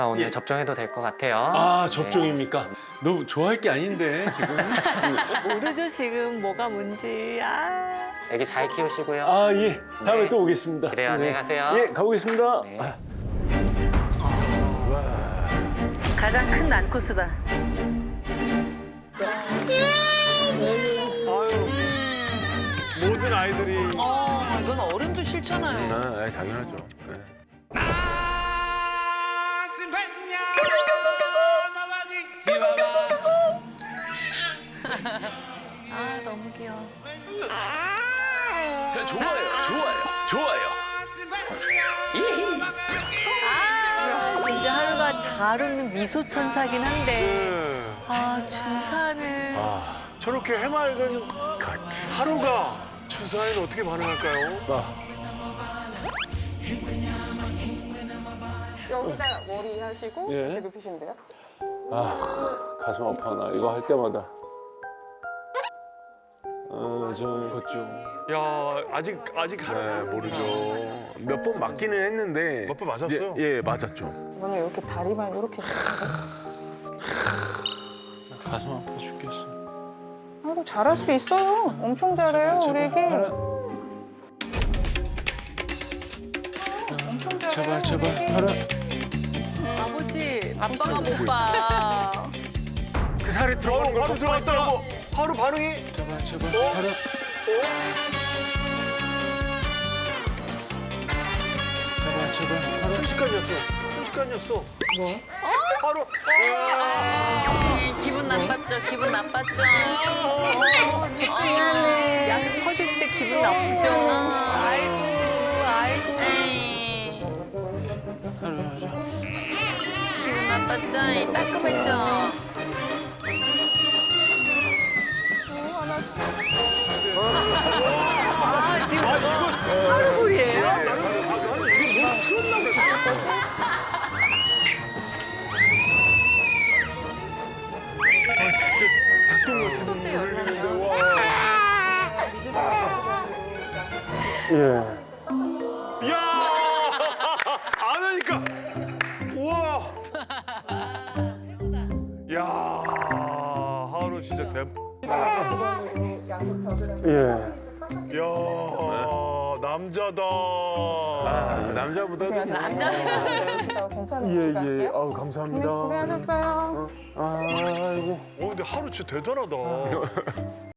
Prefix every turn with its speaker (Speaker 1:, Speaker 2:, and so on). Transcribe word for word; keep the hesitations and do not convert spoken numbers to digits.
Speaker 1: 오늘
Speaker 2: 예.
Speaker 1: 접종해도 될 것 같아요.
Speaker 2: 아, 접종입니까? 너무 좋아할 게 아닌데 지금.
Speaker 3: 모르죠 지금 뭐가 뭔지. 아.
Speaker 1: 네. 애기 잘 키우시고요.
Speaker 2: 아, 예. 다음에
Speaker 1: 네.
Speaker 2: 또 오겠습니다.
Speaker 1: 그래요, 안녕히 가세요.
Speaker 2: 예, 가보겠습니다.
Speaker 1: 네.
Speaker 3: 가장 큰 난코스다.
Speaker 4: 모든 아이들이
Speaker 3: 어, 이건 어른도 싫잖아요.
Speaker 2: 아, 당연하죠. 네.
Speaker 3: 아, 너무 귀여워.
Speaker 2: 자, 좋아요, 좋아요, 좋아요.
Speaker 3: 아, 진짜 하루가 잘 웃는 미소 천사긴 한데.
Speaker 4: 네.
Speaker 3: 아, 주사는.
Speaker 4: 저렇게 해맑은 하루가 주사에는 어떻게 반응할까요?
Speaker 5: 여기다 머리 하시고
Speaker 2: 예.
Speaker 5: 이렇게 눕히시면 돼요.
Speaker 2: 아, 가슴 아파. 나 이거 할 때마다. 어, 저 그렇죠.
Speaker 4: 야 아직 아직 하루
Speaker 2: 네, 모르죠. 몇 번 맞기는 했는데.
Speaker 4: 몇 번 맞았어요?
Speaker 2: 예, 예, 맞았죠.
Speaker 5: 이거는 이렇게 다리만 이렇게
Speaker 2: 가슴 아파 죽겠어.
Speaker 5: 아이고 잘할 수 있어요. 엄청 잘해요 우리 애기. 엄청 잘해요.
Speaker 2: 제발, 제발.
Speaker 5: 우리 애기.
Speaker 2: 하라.
Speaker 3: 아버지, 아빠가 못 봐.
Speaker 2: 그 살이 들어가는 걸
Speaker 4: 바로 들어갔다가 하루 반응이
Speaker 2: 제발, 제발. 하라. 제발, 제발. 하라.
Speaker 4: 순식간이었어. 순식간이었어. 뭐? 하루.
Speaker 3: 아, 기분 나빴죠, 기분 나빴죠. 미안해. 약 퍼질 때 기분 나쁘죠. 아이고, 아이고. 에이.
Speaker 2: 하라, 하라.
Speaker 3: 기분 나빴죠? 따끔했죠? 아, 지금 하루 소리예요?
Speaker 4: 나는 나는 이거 뭘 틀었나 그랬어.
Speaker 2: 아, 진짜 닭똥 같은 눈물 흘리는데, 와. 예.
Speaker 4: 야! 안 하니까. 우와. 야, 하루 진짜 대.
Speaker 2: 예.
Speaker 4: 야, 남자다.
Speaker 2: 아, 남자보다.
Speaker 3: 남자?
Speaker 5: 괜찮은 거
Speaker 2: 예, 예.
Speaker 5: 갈게요.
Speaker 2: 아우,
Speaker 5: 네,
Speaker 2: 감사합니다.
Speaker 5: 고생하셨어요.
Speaker 2: 아이고.
Speaker 4: 어, 근데 하루 진짜 대단하다.